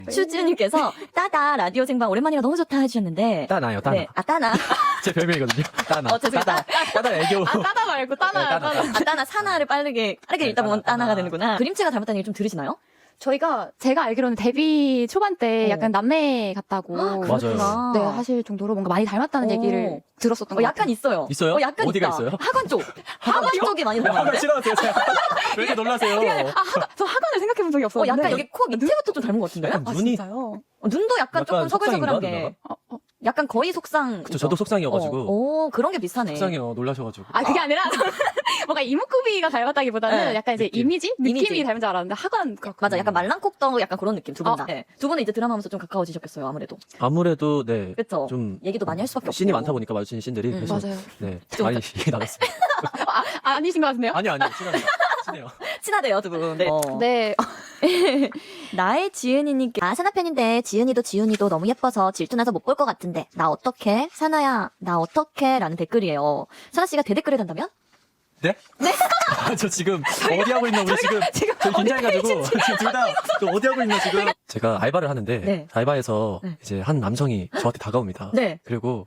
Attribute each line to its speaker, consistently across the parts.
Speaker 1: 추지은님께서 따다 라디오 생방 오랜만이라 너무 좋다 해주셨는데.
Speaker 2: 따나요, 따나.
Speaker 1: 네, 따나.
Speaker 2: 제 별명이거든요. 따나.
Speaker 1: 죄송합니다.
Speaker 2: 따나 애교.
Speaker 3: 따다 말고 따나요,
Speaker 2: 따나.
Speaker 3: 따나.
Speaker 1: 따나 사나를 빠르게 읽다 보면
Speaker 2: 따나.
Speaker 1: 따나가 되는구나. 그림체가 닮았다는 얘기 좀 들으시나요?
Speaker 3: 제가 알기로는 데뷔 초반 때 약간 남매 같다고.
Speaker 2: 맞아요.
Speaker 3: 네, 하실 정도로 뭔가 많이 닮았다는 얘기를 들었었던 것
Speaker 1: 약간
Speaker 3: 같아요.
Speaker 1: 있어요.
Speaker 2: 있어요?
Speaker 1: 약간
Speaker 2: 어디가
Speaker 1: 있다.
Speaker 2: 있어요?
Speaker 1: 학원 쪽. 학원 쪽이 많이
Speaker 2: 화가
Speaker 1: 닮았는데?
Speaker 2: 싫어하세요, 제가. 왜 이렇게 놀라세요?
Speaker 3: 저 학원을 생각해 본 적이 없었는데.
Speaker 1: 약간 여기 코 밑에부터 좀 닮은 것 같은데요?
Speaker 2: 약간
Speaker 3: 아,
Speaker 2: 눈이.
Speaker 3: 진짜요?
Speaker 1: 눈도 약간 조금 서글서글한
Speaker 2: 속상인가,
Speaker 1: 게.
Speaker 2: 누나가?
Speaker 1: 약간 거의 속상.
Speaker 2: 그쵸, 저도 속상이어가지고.
Speaker 1: 오, 그런 게 비슷하네.
Speaker 2: 속상해요, 놀라셔가지고.
Speaker 3: 그게 아니라 뭔가 이목구비가 닮았다기보다는
Speaker 1: 네,
Speaker 3: 약간 이제
Speaker 2: 느낌.
Speaker 3: 느낌이
Speaker 1: 이미지.
Speaker 3: 닮은 줄 알았는데 학원
Speaker 1: 맞아, 약간 말랑콕덕 약간 그런 느낌, 두 분 다.
Speaker 3: 어.
Speaker 1: 네. 두 분은 이제 드라마 하면서 좀 가까워지셨겠어요, 아무래도.
Speaker 2: 아무래도, 네.
Speaker 1: 그쵸?
Speaker 2: 좀.
Speaker 1: 얘기도 많이 할 수밖에 없고.
Speaker 2: 씬이 많다 보니까 마주치는 씬들이. 그래서
Speaker 3: 맞아요.
Speaker 2: 네.
Speaker 1: 좀
Speaker 2: 많이 얘기 나눴습니다.
Speaker 3: 아니신 것 같은데요?
Speaker 2: 아니요, 친합니다. 친해요.
Speaker 1: 친하대요, 두 분. 네.
Speaker 3: 네.
Speaker 1: 나의 지은이님께 사나 팬인데 지은이도 지훈이도 너무 예뻐서 질투나서 못 볼 것 같은데 나 어떡해? 사나야 나 어떡해? 라는 댓글이에요. 사나 씨가 대댓글을 단다면?
Speaker 2: 네? 네? 저 지금 어디 하고 있나 우리 지금 저희 긴장해가지고 지금 둘 다 어디 하고 있나 지금 제가 알바를 하는데
Speaker 1: 네.
Speaker 2: 알바에서
Speaker 1: 네.
Speaker 2: 이제 한 남성이 저한테 다가옵니다.
Speaker 1: 네.
Speaker 2: 그리고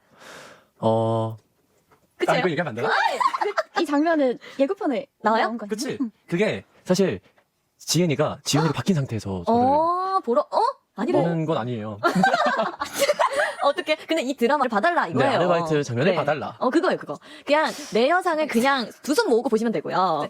Speaker 1: 그치요?
Speaker 2: 이거 얘기하면 안 되나?
Speaker 3: 이 장면은 예고편에
Speaker 1: 나와요?
Speaker 3: 나온 거죠?
Speaker 2: 그치? 그게 사실 지은이가 지훈이로 바뀐 상태에서 저를
Speaker 1: 아니래.
Speaker 2: 보는 건 아니에요.
Speaker 1: 어떻게? 근데 이 드라마를 봐달라
Speaker 2: 네,
Speaker 1: 이거예요.
Speaker 2: 아르바이트 장면을 봐달라.
Speaker 1: 그거예요, 그거. 그냥 내 여상을 그냥 두 손 모으고 보시면 되고요.